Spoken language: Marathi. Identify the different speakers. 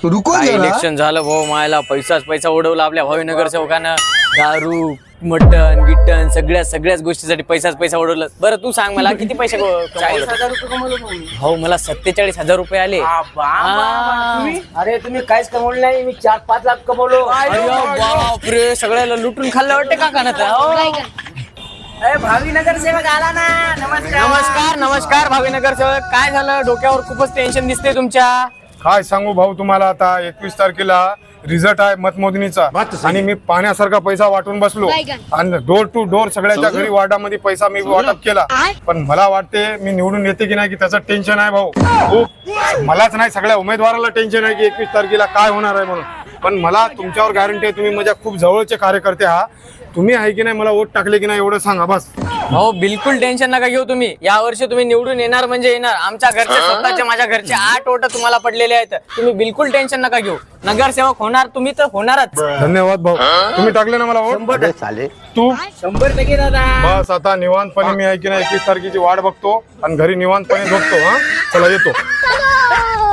Speaker 1: रुको
Speaker 2: काय
Speaker 1: जरा.
Speaker 2: इलेक्शन झालं भाऊ, मायला पैसा उडवला आपल्या भावीनगर सेवकानं. दारू मटन गिटन सगळ्याच गोष्टीसाठी पैसा उडवला. बरं तू सांग मला किती पैसे
Speaker 3: 40,000 रुपये कमवले तुम्ही.
Speaker 2: भाऊ मला 47,000 रुपये आले.
Speaker 3: अरे तुम्ही काहीच कमवलं नाही, मी 4-5 लाख कमवलो.
Speaker 2: अरे बापरे, सगळ्याला लुटून खाल्लं वाटतं का कानात.
Speaker 3: अरे भावीनगर सेवक आला ना.
Speaker 2: नमस्कार भावीनगर सेवक. काय झालं, डोक्यावर खूपच टेन्शन दिसते तुमच्या.
Speaker 4: काय सांगू भाऊ तुम्हाला, आता 21 तारखेला रिझल्ट आहे मतमोजणीचा आणि मी पाण्यासारखा पैसा वाटून बसलो आणि डोर टू डोर सगळ्याच्या घरी वार्डामध्ये पैसा मी वाटप केला. पण मला वाटते मी निवडून येते की नाही की त्याचं टेन्शन आहे भाऊ खूप. मलाच नाही सगळ्या उमेदवाराला टेन्शन आहे की 21 तारखेला काय होणार आहे म्हणून. पण मला तुमच्यावर गॅरंटी आहे, तुम्ही माझ्या खूप जवळचे कार्यकर्ते आहात. तुम्ही आहे की नाही मला वोट टाकले की नाही एवढं सांगा बस.
Speaker 2: हो बिलकुल टेन्शन नका घेऊ तुम्ही. या वर्षी तुम्ही निवडून येणार म्हणजे येणार. आमच्या घरचे स्वतःचे माझ्या घरचे 8 वोट तुम्हाला पडलेले आहेत. तुम्ही बिलकुल टेन्शन नका घेऊ. नगरसेवक होणार तुम्ही तर होणारच.
Speaker 4: धन्यवाद भाऊ, तुम्ही टाकले ना मला वोट. तू
Speaker 3: 100% दादा.
Speaker 4: बस आता निवांतपणे मी आहे की नाही 21 तारखेची वाट बघतो आणि घरी निवांतपणे झोपतो. हा चला येतो.